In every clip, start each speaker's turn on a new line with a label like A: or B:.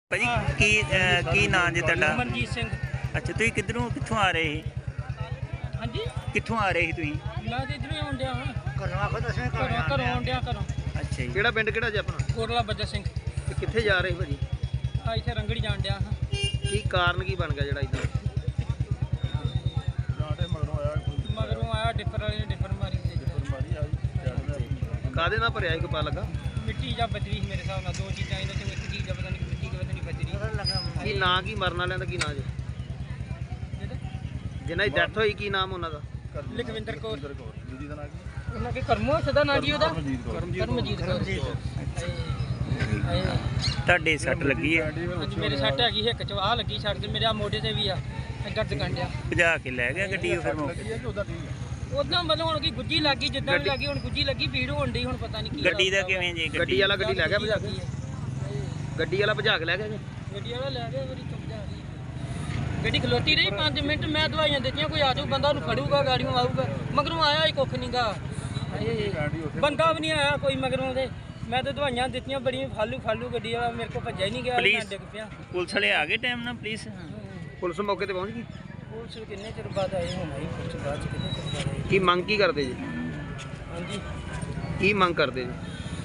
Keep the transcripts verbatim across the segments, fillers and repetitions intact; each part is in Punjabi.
A: ਭਾਜੀ ਕੀ ਅਹ, ਕੀ ਨਾਂ ਜੀ ਤੁਹਾਡਾ?
B: ਮਨਜੀਤ ਸਿੰਘ।
A: ਅੱਛਾ, ਤੁਸੀਂ ਕਿੱਧਰੋਂ ਕਿੱਥੋਂ ਆ ਰਹੇ ਸੀ?
B: ਹਾਂਜੀ,
A: ਕਿੱਥੋਂ ਆ ਰਹੇ ਸੀ ਤੁਸੀਂ?
B: ਮੈਂ ਤੇ ਇਧਰੋਂ ਆਉਣ ਡਿਆ ਹਾਂ।
C: ਘਰੋਂ ਆਖੋ ਦੱਸਵੇਂ
B: ਘਰੋਂ ਘਰੋਂ ਆਉਣ ਡਿਆ ਘਰੋਂ।
A: ਅੱਛਾ ਜੀ।
C: ਕਿਹੜਾ ਪਿੰਡ ਕਿਹੜਾ ਜੀ ਆਪਣਾ?
B: ਕੋਟਲਾ ਬੱਜਾ ਸਿੰਘ।
C: ਤੇ ਕਿੱਥੇ ਜਾ ਰਹੇ ਭਾਜੀ?
B: ਆ ਇੱਥੇ ਰੰਗੜੀ ਜਾਣ ਡਿਆ ਹਾਂ।
C: ਕੀ ਕਾਰਨ ਕੀ ਬਣ ਗਿਆ ਜਿਹੜਾ ਇਦਾਂ?
B: ਮਗਰੋਂ ਆਇਆ ਡਿਫਰ ਵਾਲੇ ਨੇ ਡਿਫਰ ਮਾਰੀ ਤੇ
C: ਕਾਦੇ ਨਾਲ ਭਰਿਆ ਸੀ ਕੋ ਪਾ ਲੱਗਾ?
B: ਮਿੱਟੀ ਜਾਂ ਬਜਰੀ ਸੀ ਮੇਰੇ ਹਿਸਾਬ ਨਾਲ। ਦੋ ਚੀਜ਼ਾਂ ਇਹਨਾਂ ਚੋਂ ਇੱਕ ਚੀਜ਼ ਆ, ਪਤਾ ਨਹੀਂ ਮਿੱਟੀ ਕਿ ਪਤਾ ਨਹੀਂ ਬਜਰੀ।
C: ਕੀ ਨਾਂ ਕੀ ਮਰਨ ਵਾਲਿਆਂ ਦਾ ਕੀ ਨਾਂ ਜੀ? ਜਿਨ੍ਹਾਂ ਦੀ ਡੈਥ ਹੋਈ ਕੀ ਨਾਮ ਉਹਨਾਂ ਦਾ?
B: ਲਖਵਿੰਦਰ ਕੌਰ। ਉਹਨਾਂ ਕੇ ਕਰਮੋ ਸਦਾ ਨਾਂ ਜੀ ਉਹਦਾ? ਕਰਮਜੀਤ ਕੌਰ।
A: ਤੁਹਾਡੇ ਸੱਟ ਲੱਗੀ ਹੈ?
B: ਹਾਂਜੀ, ਮੇਰੇ ਸੱਟ ਹੈਗੀ ਹਿੱਕ ਚ, ਆਹ ਲੱਗੀ ਸੱਟ ਤੇ ਮੇਰੇ ਆ ਮੋਢੇ ਤੇ ਵੀ ਆ ਦਰਦ ਕੰਡਿਆ।
A: ਭਜਾ ਕੇ ਲੈ ਗਿਆ ਗੱਡੀ ਉਹ ਫਿਰ ਮੌਕੇ?
B: ਉਦਾਂ ਮਤਲਬ ਹੁਣ ਕੀ ਗੁੱਜੀ ਲੱਗੀ, ਜਿੱਦਾਂ ਵੀ ਲੱਗੀ ਹੁਣ ਗੁੱਜੀ ਲੱਗੀ, ਭੀੜ ਹੋਣ ਡਈ, ਹੁਣ ਪਤਾ ਨਹੀਂ ਕੀ
A: ਗੱਡੀ ਦਾ ਕਿਵੇਂ ਜੀ?
C: ਗੱਡੀ ਵਾਲਾ ਗੱਡੀ ਲੈ ਗਿਆ ਭਜਾ ਕੇ? ਗੱਡੀ ਵਾਲਾ ਭਜਾ ਕੇ ਲੈ ਗਿਆ ਜੀ?
B: ਗੱਡੀ ਵਾਲਾ ਲੈ ਗਿਆ, ਮੇਰੀ ਚੁੱਪ ਜਾ ਰਹੀ ਗੱਡੀ ਖਲੋਤੀ ਰਹੀ ਪੰਜ ਮਿੰਟ। ਮੈਂ ਦਵਾਈਆਂ ਦਿੱਤੀਆਂ, ਕੋਈ ਆ ਜਾਊ ਬੰਦਾ ਉਹਨੂੰ ਫੜੂਗਾ, ਗਾੜੀਆਂ ਆਊਗਾ। ਮਗਰੋਂ ਆਇਆ ਹੀ ਕੁੱਖ ਨਹੀਂਗਾ, ਬੰਦਾ ਵੀ ਨਹੀਂ ਆਇਆ ਕੋਈ ਮਗਰੋਂ ਦੇ। ਮੈਂ ਤਾਂ ਦਵਾਈਆਂ ਦਿੱਤੀਆਂ ਬੜੀਆਂ, ਫਾਲੂ ਫਾਲੂ ਗੱਡੀ ਵਾਲਾ ਮੇਰੇ ਕੋਲ ਭੱਜਿਆ ਹੀ ਨਹੀਂ ਗਿਆ, ਮੈਂ ਡਿੱਗ ਪਿਆ।
A: ਪੁਲਿਸ ਵਾਲੇ ਆ ਗਏ ਟਾਈਮ ਨਾਲ? ਪੁਲਿਸ
C: ਪੁਲਿਸ ਮੌਕੇ ਤੇ ਪਹੁੰਚ ਗਈ?
B: ਪੁਲਿਸ ਕਿੰਨੇ ਚਿਰ ਬਾਅਦ ਆਏ ਹੁਣ? ਆਈ ਪੁਲਿਸ ਬਾਅਦ ਚ ਕਿੰਨੇ ਚਿਰ ਬਾਅਦ ਆਈ?
C: ਕੀ ਮੰਗ ਕੀ ਕਰਦੇ ਜੀ?
B: ਹਾਂਜੀ,
C: ਕੀ ਮੰਗ ਕਰਦੇ ਜੀ?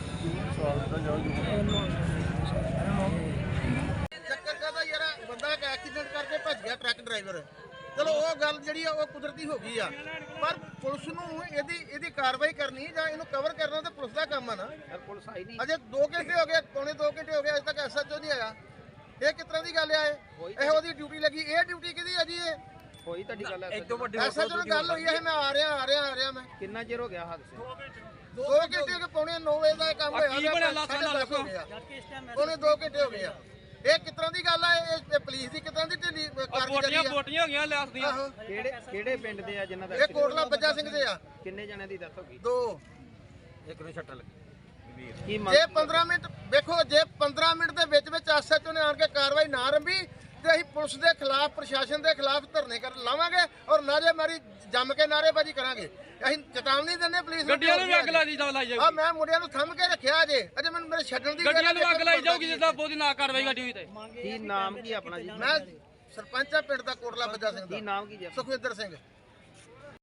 D: ਚੱਕਰ ਕਾਹਦਾ ਯਾਰ, ਬੰਦਾ ਇੱਕ ਐਕਸੀਡੈਂਟ ਕਰਕੇ ਭੱਜ ਗਿਆ ਟਰੱਕ ਡਰਾਈਵਰ। ਚਲੋ ਉਹ ਗੱਲ ਜਿਹੜੀ ਆ ਉਹ ਕੁਦਰਤੀ ਹੋ ਗਈ ਆ, ਪਰ ਪੁਲਿਸ ਨੂੰ ਇਹਦੀ ਇਹਦੀ ਕਾਰਵਾਈ ਕਰਨੀ ਜਾਂ ਇਹਨੂੰ ਕਵਰ ਕਰਨਾ ਤਾਂ ਪੁਲਿਸ ਦਾ ਕੰਮ ਆ ਨਾ।
C: ਪੁਲਿਸ ਆਈ ਨਹੀਂ
D: ਅਜੇ ਦੋ ਘੰਟੇ ਹੋ ਗਏ, ਪੌਣੇ ਦੋ ਘੰਟੇ ਹੋ ਗਏ, ਅਜੇ ਤੱਕ ਐਸਐਚਓ ਨਹੀਂ ਆਇਆ। ਇਹ ਕਿਸ ਤਰ੍ਹਾਂ ਦੀ ਗੱਲ ਆ? ਇਹ ਉਹਦੀ ਡਿਊਟੀ ਲੱਗੀ। ਇਹ ਡਿਊਟੀ ਕਿਹਦੀ ਆ ਜੀ? ਇਹ
C: ਹੋਈ ਤੁਹਾਡੀ ਗੱਲ?
D: ਐਸਐਚਓ ਨਾਲ ਗੱਲ ਹੋਈ ਹੈ, ਮੈਂ ਆ ਰਿਹਾ ਆ ਰਿਹਾ ਆ ਰਿਹਾ ਮੈਂ।
C: ਕਿੰਨਾ ਚਿਰ ਹੋ ਗਿਆ ਹਾਦਸੇ?
D: ਦੋ ਘੰਟੇ ਹੋ ਗਏ, ਪੌਣੇ ਨੌ ਵਜੇ ਦਾ ਇਹ ਕੰਮ ਹੋਇਆ, ਸਾਢੇ ਦਸ ਹੋ ਗਿਆ, ਪੌਣੇ ਦੋ ਘੰਟੇ ਹੋ ਗਏ ਆ। ਇਹ ਕਿਸ ਤਰ੍ਹਾਂ ਦੀ ਗੱਲ ਆ? ਇਹ ਪੁਲਿਸ ਦੀ ਕਿਸ ਤਰ੍ਹਾਂ ਦੀ ਢਿੱਲੀ ਕਾਰਗੁਜ਼ਾਰੀ ਆ?
B: ਬੋਟੀਆਂ ਹੋ ਗਈਆਂ ਲੈਸ ਦੀਆਂ।
D: ਆਹੋ,
C: ਕਿਹੜੇ ਕਿਹੜੇ ਪਿੰਡ ਦੇ ਆ ਜਿਨ੍ਹਾਂ ਦਾ?
D: ਇਹ ਕੋਟਲਾ ਬੱਜਾ ਸਿੰਘ ਦੇ ਆ।
C: ਕਿੰਨੇ ਜਣਿਆਂ ਦੀ ਡੈਥ ਹੋ ਗਈ?
D: ਦੋ।
C: ਇੱਕ ਨੂੰ ਛੱਟਾ ਲੱਗੀ। ਕੀ ਮੰਗ?
D: ਜੇ ਪੰਦਰਾਂ ਮਿੰਟ ਵੇਖੋ, ਜੇ ਪੰਦਰਾਂ ਮਿੰਟ ਦੇ ਵਿੱਚ ਵਿੱਚ ਐਸਐਚਓ ਨੇ ਆਣ ਕੇ ਕਾਰਵਾਈ ਨਾ ਰੰਭੀ ਤੇ ਅਸੀਂ ਪੁਲਿਸ ਦੇ ਖਿਲਾਫ, ਪ੍ਰਸ਼ਾਸਨ ਦੇ ਖਿਲਾਫ ਧਰਨੇ ਕਰ ਲਾਵਾਂਗੇ ਔਰ ਨਾਅਰੇਬਾਜ਼ੀ ਜੰਮ ਕੇ ਨਾਅਰੇਬਾਜ਼ੀ ਕਰਾਂਗੇ। ਅਸੀਂ ਚੇਤਾਵਨੀ ਦਿੰਦੇ ਪੁਲਿਸ ਨੂੰ।
B: ਗੱਡੀਆਂ ਨੂੰ ਵੀ ਅੱਗ ਲਾਈ ਜਾਊਗੀ।
D: ਆ ਮੈਂ ਮੁੰਡਿਆਂ ਨੂੰ ਥੰਮ ਕੇ ਰੱਖਿਆ ਜੇ, ਅਜੇ ਮੈਨੂੰ ਮੇਰੇ ਛੱਡਣ ਦੀ
B: ਗੱਡੀਆਂ ਨੂੰ ਅੱਗ ਲਾਈ ਜਾਊਗੀ ਜਿੱਦਾਂ ਬਹੁਤੀ ਨਾ ਕਾਰਵਾਈ ਗੱਡੀ ਹੋਈ ਤੇ।
C: ਕੀ ਨਾਮ ਕੀ ਆਪਣਾ ਜੀ?
D: ਮੈਂ ਸਰਪੰਚ ਆ ਪਿੰਡ ਦਾ ਕੋਟਲਾ ਬੱਜਾ ਸਿੰਘ
C: ਕੀ
D: ਦਾ,
C: ਨਾਮ ਕੀ ਜੀ?
D: ਸੁਖਵਿੰਦਰ ਸਿੰਘ।